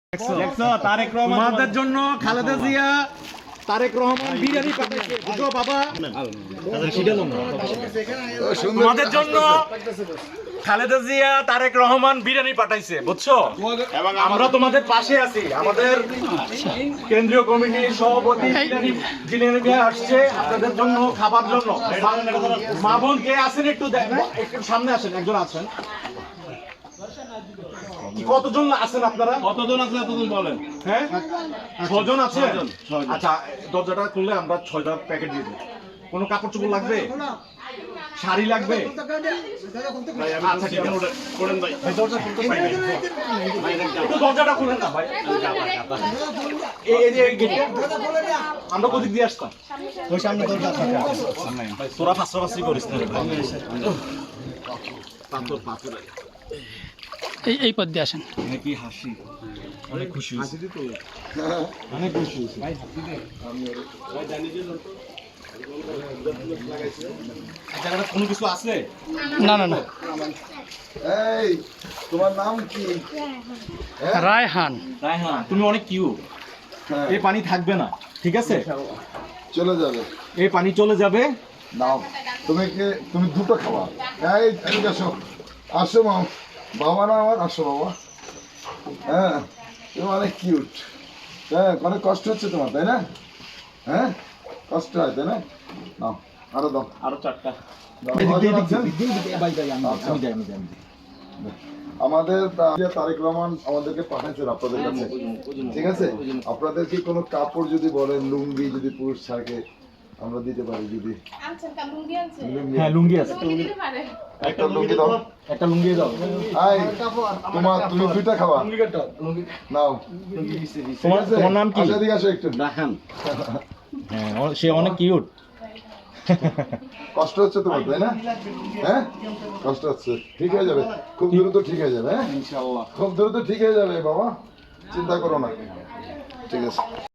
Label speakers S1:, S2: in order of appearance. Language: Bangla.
S1: তোমাদের জন্য খালেদা জিয়া তারেক রহমান বিরিয়ানি পাঠাইছে বুঝো বাবা। তোমাদের জন্য খালেদা জিয়া তারেক রহমান বিরিয়ানি পাঠাইছে বুঝছো, এবং আমরা তোমাদের পাশে আছি। আমাদের কেন্দ্রীয় কমিটির সভাপতি বিরিয়ানি নিয়ে আসছে আপনাদের জন্য খাবার জন্য। মা বোন কে আছেন একটু সামনে আসেন, একজন আছেন। কতজন আছেন আপনারা?
S2: কতজন আছে এতজন বলেন।
S1: হ্যাঁ 6 জন আছে। আচ্ছা দরজাটা খুললে আমরা 6টা প্যাকেট দিয়ে দেব। কোনো কাপড় চোপড় লাগবে, শাড়ি লাগবে? আচ্ছা ঠিক আছে করেন ভাই। দরজা খুলতে পারি না, একটু দরজাটা খুলেন না ভাই। এই যে গেটটা আমরা কোদিক দিয়ে আসতাম? ওই সামনে দরজা আছে ভাই। তোরা ফাঁসরাফাসরি করিস না ভাই। পাথর
S3: এই পথ দিয়ে আসেন।
S1: কি হাসি, অনেক খুশি হয়েছি তো, অনেক খুশি হয়েছি ভাই। হাসি দে ভাই, জানি যে জায়গাটা কোনো কিছু আছে?
S3: না না না,
S4: এই তোমার নাম কি?
S3: রায়হান।
S1: রায়হান, তুমি অনেক কিউট। এই পানি থাকবে না, ঠিক আছে?
S4: চলে যাবে,
S1: এই পানি চলে যাবে।
S4: নাও তুমি দুটো খাওয়া। এই এদিকে আসো, আসো মা, বাবা না আমার, আসো বাবা। হ্যাঁ তুমি অনেক কিউট। হ্যাঁ অনেক কষ্ট হচ্ছে তোমার, তাই না? হ্যাঁ কষ্ট হয়, তাই না? নাও আরো দাও,
S1: আরো 4টা।
S4: আমাদের তারেক রহমান আমাদেরকে পাঠাচ্ছেন আপনাদের কাছে, ঠিক আছে? আপনাদের কি কোনো কাপড় যদি বলেন, লুঙ্গি যদি পুরুষ থাকে আমরা দিতে পারি। যদি
S1: হ্যাঁ লুঙ্গি আছে,
S4: একটা লুঙ্গি দাও,
S1: একটা লুঙ্গি দাও।
S4: তুমি 2টা খাওয়া নাও।
S1: তোমার নাম কি?
S4: আসো এদিকে আসো একটু।
S1: রায়হান। হ্যাঁ সে অনেক কিউট।
S4: কষ্ট হচ্ছে তোমার, তাই না? হ্যাঁ কষ্ট হচ্ছে, ঠিক হয়ে যাবে, খুব দ্রুত ঠিক হয়ে যাবে। হ্যাঁ ইনশাআল্লাহ খুব দ্রুত ঠিক হয়ে যাবে বাবা, চিন্তা করো না, ঠিক আছে।